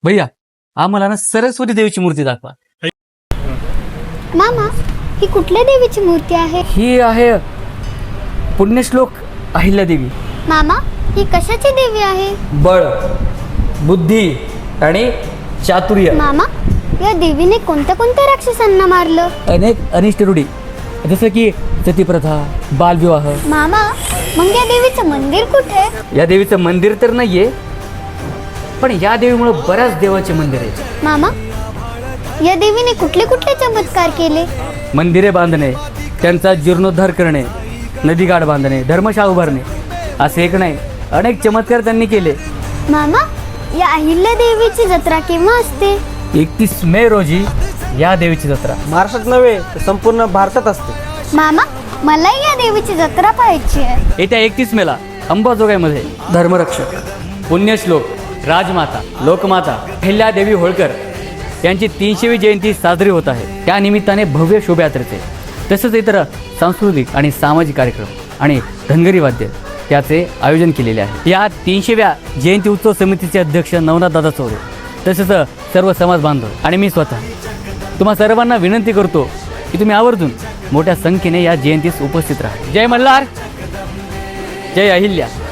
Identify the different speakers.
Speaker 1: भैया आम्हाला ना सरस्वती देवीची मूर्ती दाखवा.
Speaker 2: मामा, ही कुठल्या देवीची मूर्ती आहे?
Speaker 3: ही आहे पुण्यश्लोक अहिल्यादेवी.
Speaker 2: मामा, ही कशाची देवी आहे?
Speaker 3: बळ, बुद्धी आणि चातुर्य.
Speaker 2: मामा, या देवीने कोणत्या कोणत्या राक्षसांना मारलं?
Speaker 3: अनेक अनिष्ट रूढी जसं की सतीप्रथा, बालविवाह.
Speaker 2: मामा, मग या देवीचं मंदिर कुठे?
Speaker 3: या देवीचं मंदिर तर नाहीये, पण या देवीमुळे बऱ्याच देवाचे मंदिर आहे.
Speaker 2: मामा, या देवीने कुठले कुठले चमत्कार केले?
Speaker 3: मंदिरे बांधणे, त्यांचा जीर्णोद्धार करणे, नदीगाड बांधणे, धर्मशाळा उभारणे, असे एक नाही अनेक चमत्कार त्यांनी केले.
Speaker 2: मामा, या अहिल्या देवीची जत्रा केव्हा असते?
Speaker 3: 31 मे रोजी या देवीची जत्रा.
Speaker 4: महाराष्ट्रात नव्हे तर संपूर्ण भारतात असते.
Speaker 2: मामा, मलाही या देवीची जत्रा पाहायची आहे.
Speaker 3: येत्या 31 मेला अंबाजोगाईमध्ये धर्मरक्षक, पुण्यश्लोक, राजमाता, लोकमाता अहिल्यादेवी होळकर यांची 300वी जयंती साजरी होत आहे. त्या निमित्ताने भव्य शोभायात्रेचे तसेच इतर सांस्कृतिक आणि सामाजिक कार्यक्रम आणि धनगरी वाद्य त्याचे आयोजन केलेले आहे. या 300व्या जयंती उत्सव समितीचे अध्यक्ष नवनाथ दादा चौरे तसेच सर्व समाज बांधव आणि मी स्वतः तुम्हा सर्वांना विनंती करतो की तुम्ही आवर्जून मोठ्या संख्येने या जयंतीस उपस्थित राहा. जय मल्हार, जय अहिल्या.